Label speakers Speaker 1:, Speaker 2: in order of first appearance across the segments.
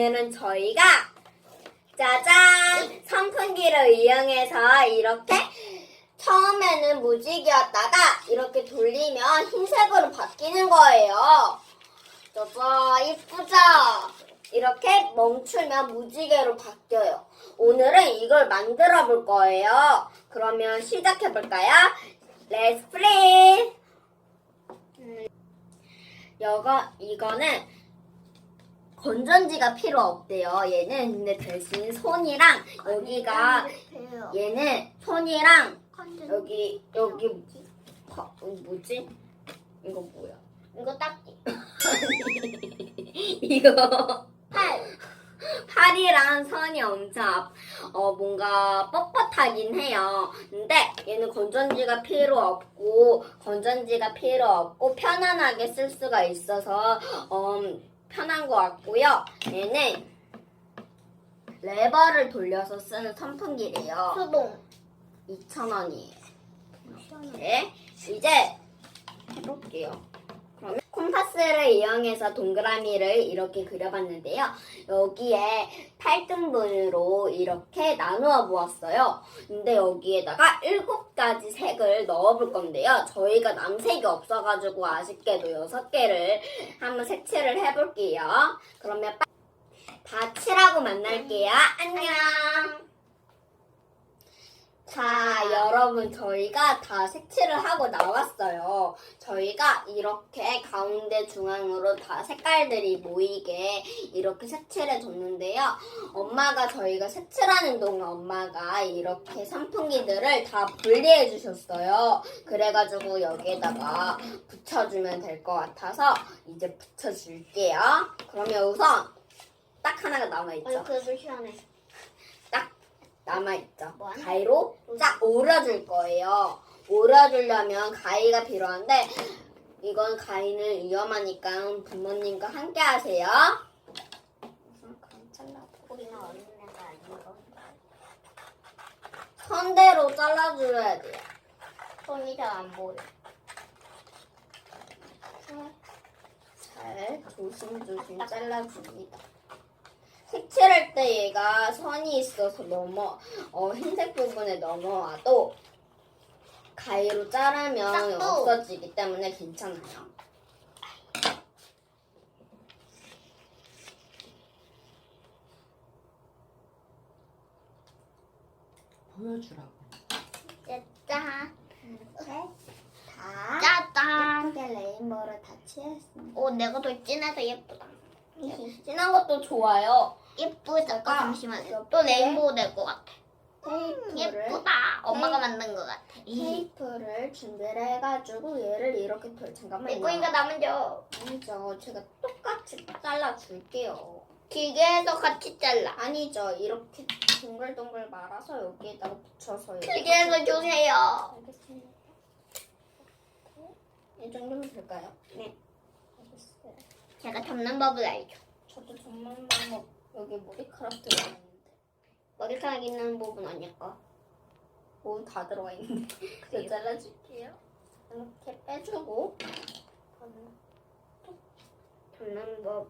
Speaker 1: 오늘은 저희가 짜잔! 선풍기를 이용해서 이렇게 처음에는 무지개였다가 이렇게 돌리면 흰색으로 바뀌는 거예요. 짜잔, 이쁘죠? 이렇게 멈추면 무지개로 바뀌어요. 오늘은 이걸 만들어 볼 거예요. 그러면 시작해 볼까요? Let's play! 이거는 건전지가 필요 없대요. 얘는 근데 대신 손이랑 여기가 얘는 손이랑 여기 뭐지? 이거 뭐야?
Speaker 2: 이거 딱지.
Speaker 1: 이거 팔이랑 선이 엄청 뭔가 뻣뻣하긴 해요. 근데 얘는 건전지가 필요 없고 편안하게 쓸 수가 있어서 편한 것 같고요. 얘는 레버를 돌려서 쓰는 선풍기래요.
Speaker 2: 수동.
Speaker 1: 2,000원이에요. 네, 이제 해볼게요. 그러면 콤파스를 이용해서 동그라미를 이렇게 그려봤는데요. 여기에 8등분으로 이렇게 나누어 보았어요. 근데 여기에다가 7가지 색을 넣어볼 건데요. 저희가 남색이 없어가지고 아쉽게도 6개를 한번 색칠을 해볼게요. 그러면 다 칠하고 만날게요. 안녕! 자, 여러분 저희가 다 색칠을 하고 나왔어요. 저희가 이렇게 가운데 중앙으로 다 색깔들이 모이게 이렇게 색칠해 줬는데요. 저희가 색칠하는 동안 엄마가 이렇게 선풍기들을 다 분리해 주셨어요. 그래가지고 여기에다가 붙여주면 될 것 같아서 이제 붙여줄게요. 그러면 우선 딱 하나가 남아있죠?
Speaker 2: 그래도 시원해.
Speaker 1: 남아있죠.
Speaker 2: 뭐하나?
Speaker 1: 가위로 쫙 오려줄 거예요. 오려주려면 가위가 필요한데 이건 가위는 위험하니까 부모님과 함께 하세요. 우선 그럼 잘라보고
Speaker 2: 우리는 어린애가 아니고
Speaker 1: 선대로 잘라줘야 돼요.
Speaker 2: 손이 잘 안 보여.
Speaker 1: 잘 조심조심 잘라줍니다. 색칠할 때 얘가 선이 있어서 흰색 부분에 넘어와도 가위로 자르면
Speaker 2: 싹도.
Speaker 1: 없어지기 때문에 괜찮아요.
Speaker 3: 보여주라고.
Speaker 2: 짜잔.
Speaker 1: 이렇게 다
Speaker 2: 짜잔.
Speaker 1: 예쁘게 레인보우를 다 칠했습니다.
Speaker 2: 오, 내가 더 진해서 예쁘다.
Speaker 1: 진한 것도 좋아요.
Speaker 2: 예쁘다.
Speaker 1: 제가
Speaker 2: 잠시만요.
Speaker 1: 이렇게
Speaker 2: 또 레인보우 될 것 같아.
Speaker 1: 테이프를
Speaker 2: 예쁘다. 엄마가 만든 것 같아.
Speaker 1: 테이프를 준비를 해가지고 얘를 이렇게 잠깐만요.
Speaker 2: 내 거니까 나 먼저.
Speaker 1: 아니죠. 제가 똑같이 잘라줄게요.
Speaker 2: 길게 해서 같이 잘라.
Speaker 1: 아니죠. 이렇게 동글동글 말아서 여기에다가 붙여서
Speaker 2: 길게 해서 주세요.
Speaker 1: 알겠습니다. 이 정도면 될까요?
Speaker 2: 네.
Speaker 1: 알겠어요.
Speaker 2: 제가 접는 법을 알죠.
Speaker 1: 저도 정말 여기 머리카락 들어가 있는데
Speaker 2: 머리카락 있는 부분 아닐까?
Speaker 1: 뭐 다 들어가 있는데 그래서 잘라줄게요. 이렇게 빼주고
Speaker 2: 접는 법.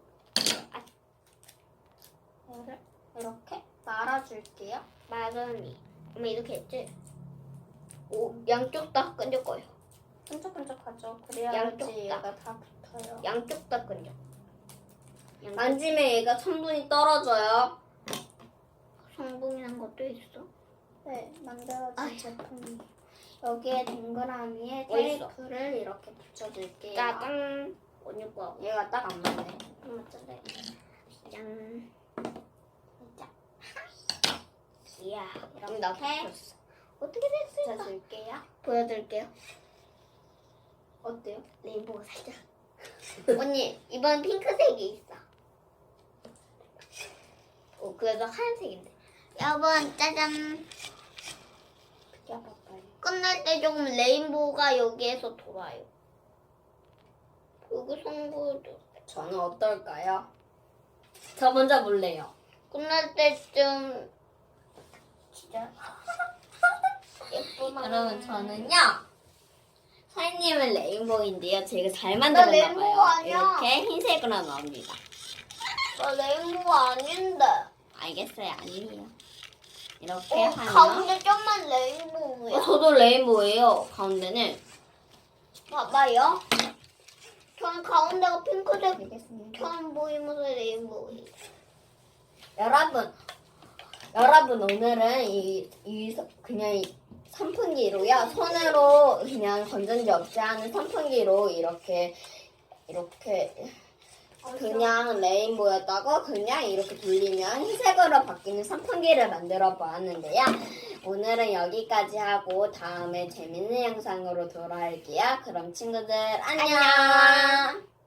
Speaker 1: 얘를 이렇게 말아줄게요.
Speaker 2: 마름이. 엄마 이렇게 했지? 오, 양쪽 다 끈적 거요.
Speaker 1: 끈적끈적하죠.
Speaker 2: 양쪽
Speaker 1: 그래야지
Speaker 2: 다.
Speaker 1: 얘가 다 붙어요.
Speaker 2: 양쪽 다 끈적.
Speaker 1: 만지면 얘가 성분이 떨어져요.
Speaker 2: 성분이란 것도 있어?
Speaker 1: 네, 만들어진 제품이에요. 여기에 동그라미에
Speaker 2: 어딨어?
Speaker 1: 테이프를 이렇게 붙여줄게요.
Speaker 2: 짜잔. 언니 거.
Speaker 1: 얘가 딱 안 맞네.
Speaker 2: 엄마 짜래. 짠.
Speaker 1: 자,
Speaker 2: 이야.
Speaker 1: 이렇게
Speaker 2: 나 붙였어. 어떻게 됐을까?
Speaker 1: 붙여줄게요.
Speaker 2: 보여드릴게요.
Speaker 1: 어때요?
Speaker 2: 레인보우 살짝. 언니, 이번 핑크색이 있어. 그래도 하얀색인데. 여러분, 짜잔.
Speaker 1: 비켜봐봐요.
Speaker 2: 끝날 때 조금 레인보우가 여기에서 돌아요. 그리고 송구도.
Speaker 1: 저는 어떨까요? 저 먼저 볼래요.
Speaker 2: 끝날 때좀 진짜 예쁘다.
Speaker 1: 여러분, 저는요. 사장님은 레인보우인데요. 제가 잘
Speaker 2: 나
Speaker 1: 만들었나
Speaker 2: 레인보우
Speaker 1: 봐요.
Speaker 2: 아니야.
Speaker 1: 이렇게 흰색으로 나옵니다.
Speaker 2: 나 레인보우 아닌데.
Speaker 1: 알겠어요. 아니에요. 이렇게 하면
Speaker 2: 가운데 좀만 레인보우야.
Speaker 1: 저도 레인보우예요. 가운데는
Speaker 2: 봐봐요. 전 가운데가 핑크색
Speaker 1: 알겠습니다.
Speaker 2: 처음 보이면서 레인보우예요.
Speaker 1: 여러분 오늘은 그냥 이 선풍기로요. 손으로 그냥 건전지 없이 하는 선풍기로 이렇게 그냥 레인보우였다고 그냥 이렇게 돌리면 흰색으로 바뀌는 선풍기를 만들어 보았는데요. 오늘은 여기까지 하고 다음에 재밌는 영상으로 돌아올게요. 그럼 친구들 안녕.